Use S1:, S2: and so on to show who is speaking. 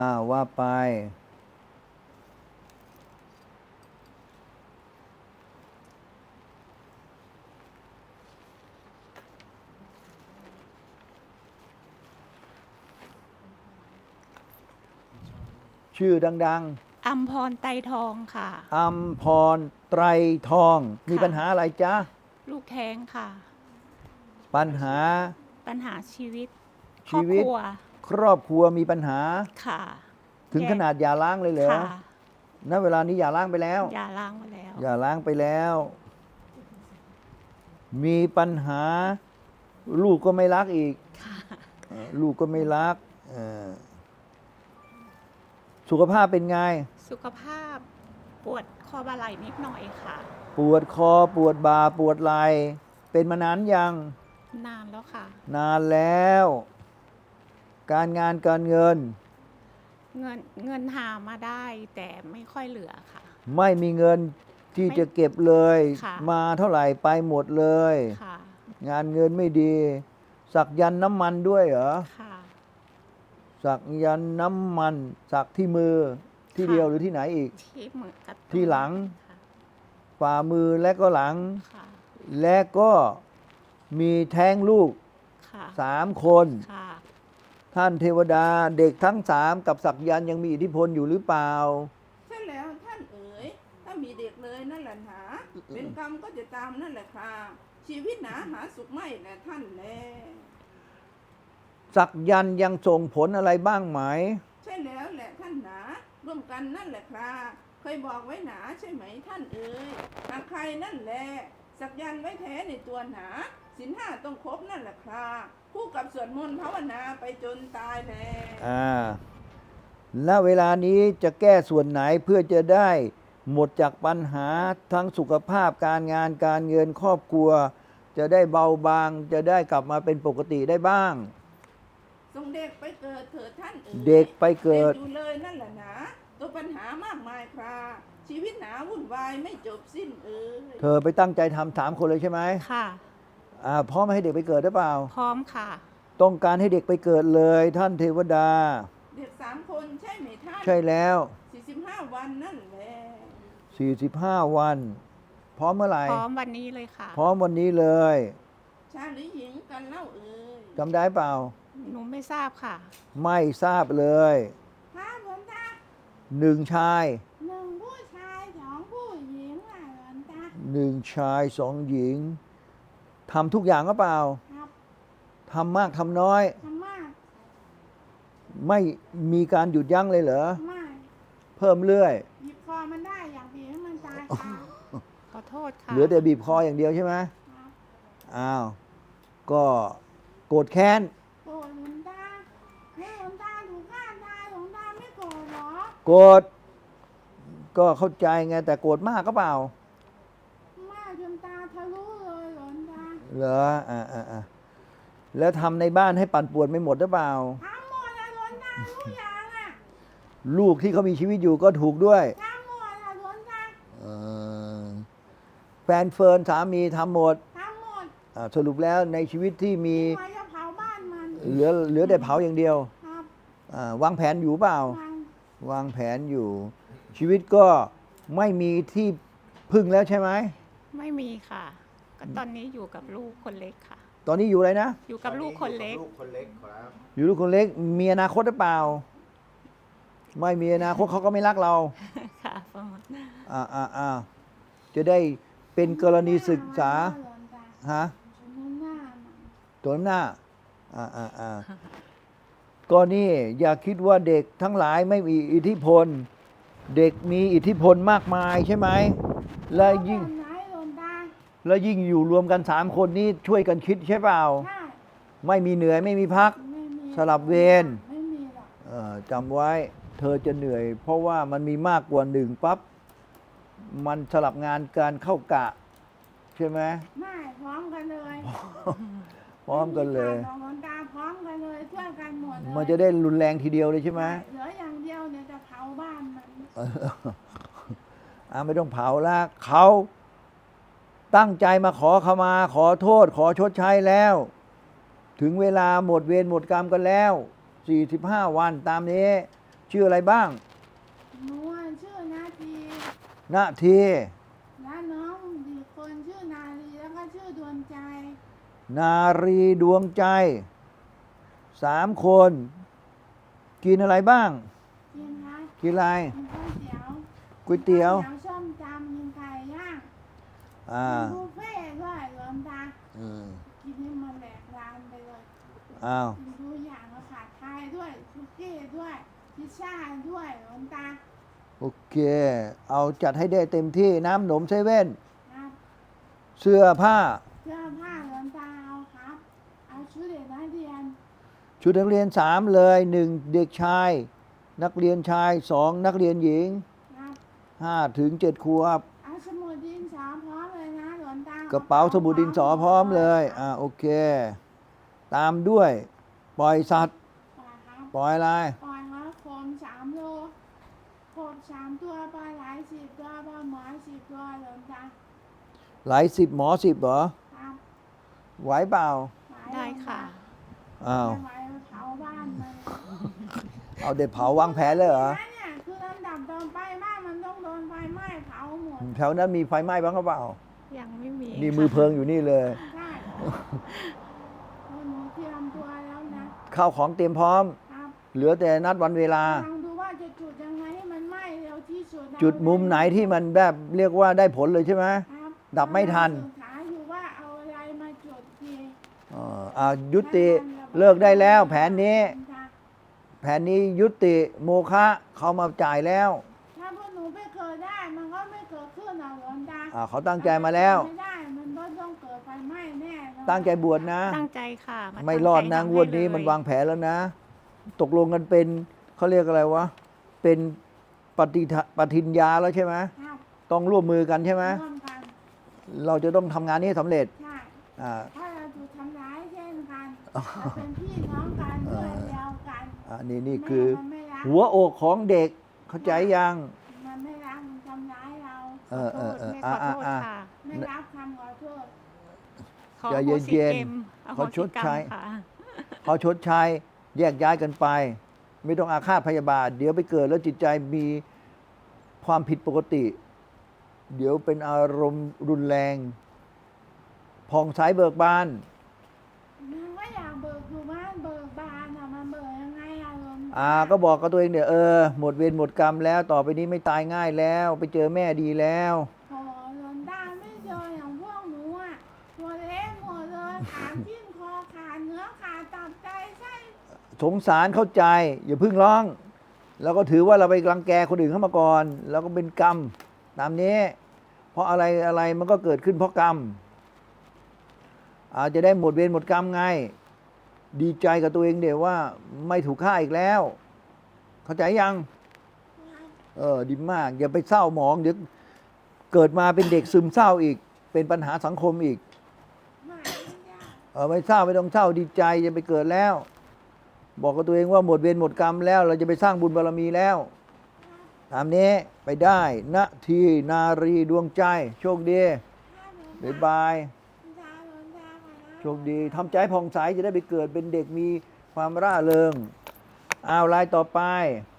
S1: ว่าไปชื่อดัง
S2: อัมพรไตรทองค่ะ
S1: ๆอัมพรไตรทองมีปัญหาอะไรจ๊ะ
S2: ลูกแท้งค่ะ
S1: ปัญหา
S2: ปัญหาชีวิตคร
S1: ชีวิต
S2: อบครัว
S1: ครอบครัวมีปัญหา
S2: ค่ะ
S1: ถึง
S2: แยก
S1: ขนาดหย่าร้างเลยเหรอ
S2: ค่ะ
S1: ณเวลานี้หย่าร้างไปแล้ว
S2: หย่าร้างมาแล้ว
S1: หย่าร้างไปแล้ว มีปัญหาลูกก็ไม่รักอีกลูกก็ไม่รักสุขภาพเป็นไง
S2: สุขภาพปวดคอบ่าไหล่นิดหน่อยค่ะ
S1: ปวดคอปวดบ่าปวดไหล่เป็นมานานยัง
S2: นานแล้วค่ะ
S1: นานแล้ว การงานการเงิน
S2: เงินหามาได้แต่ไม่ค่อยเหลือค่ะ
S1: ไม่มีเงินที่จะเก็บเลย
S2: ค่ะ
S1: มาเท่าไหร่ไปหมดเลย
S2: ค่ะ
S1: งานเงินไม่ดี สักยันต์น้ำมันด้วยเหรอ
S2: ค่ะ
S1: สักยันต์น้ำมันสักที่มือที่เดียวหรือที่ไหนอีก
S2: ที่มือกับ
S1: ที่หลัง
S2: ค่ะ
S1: ฝ่ามือและก็หลัง
S2: ค่ะ
S1: และก็มีแท้งลูก
S2: ค่ะ
S1: 3 คน
S2: ค่ะ
S1: ท่านเทวดาเด็กทั้ง3กับสักยันต์ยังมีอิทธิพลอยู่หรือเปล่า
S3: ใช่แล้วท่านเอ๋ยถ้ามีเด็กเลยนั่นแหละหนาเป็นกรรมก็จะตามนั่นแหละค่ะชีวิตหนาหาสุขไม่แหละท่านแล
S1: สักยันต์ยังส่งผลอะไรบ้างไหม
S3: ใช่แล้วแหละท่านหนาร่วมกันนั่นแหละค่ะเคยบอกไว้หนาใช่ไหมท่านเอ๋ยหากใครนั่นแหละสักยันต์ไว้แท้ในตัวหนาศีล 5ต้องครบนั่นแหละค่ะคู่กับสวดมนต์ภาวนาไปจนตายแล
S1: ณเวลานี้จะแก้ส่วนไหนเพื่อจะได้หมดจากปัญหาทั้งสุขภาพการงานการเงินครอบครัวจะได้เบาบางจะได้กลับมาเป็นปกติได้บ้าง
S3: ส่งเด็กไปเกิดเถิดท่านเอ๋ย
S1: เด็กไปเกิด
S3: อยู่เลยนั่นแหละนะตัวปัญหามากมายคราชีวิตหนาวุ่นวายไม่จบสิ้นเอ๋ย
S1: เธอไปตั้งใจทำ3 คนเลยใช่ไหม
S2: ค่ะ
S1: พร้อมให้เด็กไปเกิดหรือเปล่า
S2: พร้อมค่ะ
S1: ต้องการให้เด็กไปเกิดเลยท่านเทวดา
S3: เด็ก3 คนใช่ไหมท่าน
S1: ใช่แล้ว
S3: 45 วันนั่นแหละ
S1: 45 วันพร้อมเมื่อไหร่
S2: พร้อมวันนี้เลยค่ะ
S1: พร้อมวันนี้เลย
S3: ชายหรือหญิงกันเล่าเอ๋ย
S1: จำได้เปล่า
S2: หนูไม่ทราบค่ะ
S1: ไม่ทราบเลย
S3: พระหลวงตา
S1: 1 ชาย
S3: 1 ผู้ชาย2 ผู้หญิงหลวงตา
S1: 1 ชาย2 หญิงทำทุกอย่างหรือเปล่า
S3: ครับ
S1: ทำมากทำน้อย
S3: ทำมาก
S1: ไม่มีการหยุดยั้งเลยเหรอ
S3: ไม่
S1: เพิ่มเรื่อย
S3: บีบคอมันได้อยากบีบให้มันตายค่ะ
S2: ขอโทษค่ะ
S1: เหลือแต่บีบคออย่างเดียวใช่ไหมอ้าวก็โกรธแค้น
S3: โกรธหลวงตาให้หลวงตาถูกฆ่าตายหลวงตาไม่โกรธหรอ
S1: โกรธก็เข้าใจไงแต่โกรธมากก็เปล่า
S3: มากจนตาทะลุเลยหลวงตา
S1: เหรอแล้วทำในบ้านให้ปั่นป่วนไม่หมดหรือเปล่า
S3: ทำหมดอะหลวงตาทุกอย่างอะ
S1: ลูกที่เขามีชีวิตอยู่ก็ถูกด้วย
S3: ทำหมดอะหลวงตา
S1: แฟนเฟิร์นสามีทำหมด
S3: ทำหมด
S1: สรุปแล้วในชีวิตที่มี
S3: ใครจะเผาบ้านมัน
S1: เหลือแต่เผาอย่างเดียว
S3: ครับ
S1: วางแผนอยู่เปล่าวางแผนอยู่ชีวิตก็ไม่มีที่พึ่งแล้วใช่ไหม
S2: ไม่มีค่ะก็ตอนนี้อยู่กับลูกคนเล็กค่ะ
S1: ตอนนี้อยู่อะไรนะ
S2: อยู่กับลูกคนเล็ก
S1: ครับอยู่ลูกคนเล็กมีอนาคตหรือเปล่าไม่มีอนาคตเขาก็ไม่รักเรา
S2: ค่ะ
S1: จะได้เป็นกรณีศึกษาฮะตัวหน้าก็นี่อย่าคิดว่าเด็กทั้งหลายไม่มีอิทธิพลเด็กมีอิทธิพลมากมายใช่ไหมและยิ่งอยู่รวมกัน3 คนนี้ช่วยกันคิดใช่เปล่าไม่มีเหนื่อยไม่มีพักสลับเวรจำไว้เธอจะเหนื่อยเพราะว่ามันมีมากกว่า1ปั๊บมันสลับงานการเข้ากะใช่ไหม
S3: ไม่พร้อมกันเลย
S1: พร้อมกันเลย
S3: หลวงตาพร้อมกันเลยช่วยกันหมดเลย
S1: มันจะได้รุนแรงทีเดียวเลยใช่ไหม
S3: เหลืออย่างเดียวเนี่ยจะเผาบ้านมัน
S1: ไม่ต้องเผาละเขาตั้งใจมาขอขมาขอโทษขอชดใช้แล้วถึงเวลาหมดเวรหมดกรรมกันแล้ว45 วันตามนี้ชื่ออะไรบ้าง
S3: หนูอะชื่อนาที
S1: นาที
S3: และน้องอีกคนชื่อนาลีแล้วก็ชื่อดวงใจ
S1: นารีดวงใจ3 คน กินอะไรบ้าง
S3: กินครับ
S1: กินอะไร
S3: กินก๋วยเตี๋ยว
S1: ก๋วยเตี๋ยว
S3: ก๋ส้มตำกินไก่ย่าง
S1: อ่า
S3: กินบุฟเฟ่ต์ด้วยหลวงตา
S1: อืม
S3: กินให้มันแหลกลานไปเลย
S1: อ้าว
S3: กินทุกอย่างแล้วผัดไทยด้วยคุกกี้ด้วยพิซซ่าด้วยหลวงตา
S1: โอเค เอาจัดให้ได้เต็มที่น้ำหนมเซเว่น
S3: ครับ
S1: เสื้อผ้า
S3: เสื้อผ้าหลวงตาเอาครับ เอาชุดเด็กนักเรียน
S1: ชุดนักเรียน3เลย 1 เด็กชาย นักเรียนชาย 2 นักเรียนหญิง
S3: ครับ
S1: 5 ถึง 7 ขวบ
S3: เอาสมุดดินสอพร้อมเลยนะหลวงตาก
S1: ระเป๋าสมุดดินสอพร้อมเลย โอเค ตามด้วย ปล่อยสัตว์
S3: ปล่อยครับ
S1: ปล่อยอะไร
S3: ปล่อยครับโคม3 โลโคม3 ตัวปลาไหล10 ตัวปลาหมอ10 ตัวหลวงตา
S1: ไหล10 หมอ 10เหรอ
S3: ครับ
S1: ไหวเปล่า
S3: หลาย
S2: ได้ค่ะ
S1: อ้าว
S3: ไม่ไหวเผาบ้านมัน
S1: เอาเด็ดเผาวางแผนเลยเหรอ
S3: เนี่ยคือลำดับต่อไปบ้านมันต้องโดนไฟไหม้เผาหมด
S1: แถวนั้นมีไฟไหม้บ้างหรือเปล่า
S2: ยังไม่มี
S1: นี่
S2: ค่ะ
S1: มือเพลิงอยู่นี่เลย
S3: ใช่หนูเตรียมตัวแล้วนะ
S1: ข้าวของเตรียมพร้อม
S3: ครับ
S1: เหลือแต่นัดวันเวลา
S3: ลองดูว่าจะจุดยังไงให้มันไหม้เร็วที่สุดนะ
S1: จุดมุมไหนที่มันแบบเรียกว่าได้ผลเลยใช่ไหม
S3: ครับ
S1: ดับไม่ทัน
S3: ศึกษาอยู่ว่าเอาอะไรมาจุดที
S1: ยุติเลิกได้แล้ว แผนนี้ แผนนี้ยุติโมฆะเขามาจ่ายแล้ว
S3: ถ้าพวกหนูไปเกิดได้มันก็ไม่เกิดขึ้นหรอกหลวงตา
S1: เขาตั้งใจมาแล้ว
S3: ไม่ได้มันก็ต้องเกิดไฟไหม้แน่นอน
S1: ตั้งใจบวชนะ
S2: ตั้งใจค่ะา
S1: ไม่รอด
S2: ตั้
S1: นะ
S2: ใจ
S1: งวดนี้
S2: ทำให้เลย
S1: มันวางแผนแล้วนะ ตกลงกันเป็นเขาเรียกอะไรวะ เป็นปฏิญญาแล้วใช่ไหม
S3: ครับ
S1: ต้องร่วมมือกันใช่ไหม
S3: ร่วมกัน
S1: เราจะต้องทำงานนี้ให้สำเร็จ
S3: ใช่
S1: อ่า
S3: ถ้าเราถูกทำร้ายเช่นกันเราเป็นพี่น้องกันเพื่อนเดียวกัน
S1: นี่คือ
S3: มันไม่รัก
S1: หัวอกของเด็กเข้าใจยัง
S3: มันไม่รักมันทำร้ายเรา
S1: เออ
S2: ขอโทษ
S1: เออ
S2: แม่
S1: อ่ะ
S2: ขอโทษ
S1: อ่ะ
S2: ค่ะ
S3: ไม่รับคำขอโทษ
S2: ขอ
S1: ใจ
S2: อโหสิ
S1: เย็นๆ
S2: กรรมอโห
S1: เขาช
S2: สิ
S1: ด
S2: กรร
S1: ใช้
S2: มค่ะ
S1: เขาชดใช้แยกย้ายกันไป ไม่ต้องอาฆาตพยาบาท เดี๋ยวไปเกิดแล้วจิตใจมีความผิดปกติ เดี๋ยวเป็นอารมณ์รุนแรงผ่องใสเบิกบาน
S3: มันก็อยากเบิกอยู่บ้านเบิกบานอะมันเบิกยังไงอะลม
S1: ก็บอกกับตัวเองเนี่ยหมดเวรหมดกรรมแล้วต่อไปนี้ไม่ตายง่ายแล้ว ไปเจอแม่ดีแล้ว
S3: โอ้หลวงตาไม่เจออย่างพวกหนูอะตัวเล็กหมดเลยขาจิ้นคอขาดเนื้อขาดตับไตไส้
S1: สงสารเข้าใจ อย่าเพึ่งร้อง แล้วก็ถือว่าเราไปรังแกคนอื่นเข้ามาก่อน แล้วก็เป็นกรรมตามนี้ เพราะอะไรอะไรมันก็เกิดขึ้นเพราะกรรม อาจจะได้หมดเวรหมดกรรมไง ดีใจกับตัวเองเดี๋ยวว่าไม่ถูกฆ่าอีกแล้ว เข้าใจยัง ดีมาก อย่าไปเศร้าหมองเดี๋ยวเกิดมาเป็นเด็กซึมเศร้าอีก เป็นปัญหาสังคมอีก
S3: ไม่ยาก
S1: ไม่เศร้าไม่ต้องเศร้าดีใจจะไปเกิดแล้ว บอกกับตัวเองว่าหมดเวรหมดกรรมแล้ว เราจะไปสร้างบุญบารมีแล้วตามนี้ไปได้นาทีนารีดวงใจ โชคดีบ๊ายบายโชคดีทำใจผ่องใสจะได้ไปเกิดเป็นเด็กมีความร่าเริงเอาลายต่อไป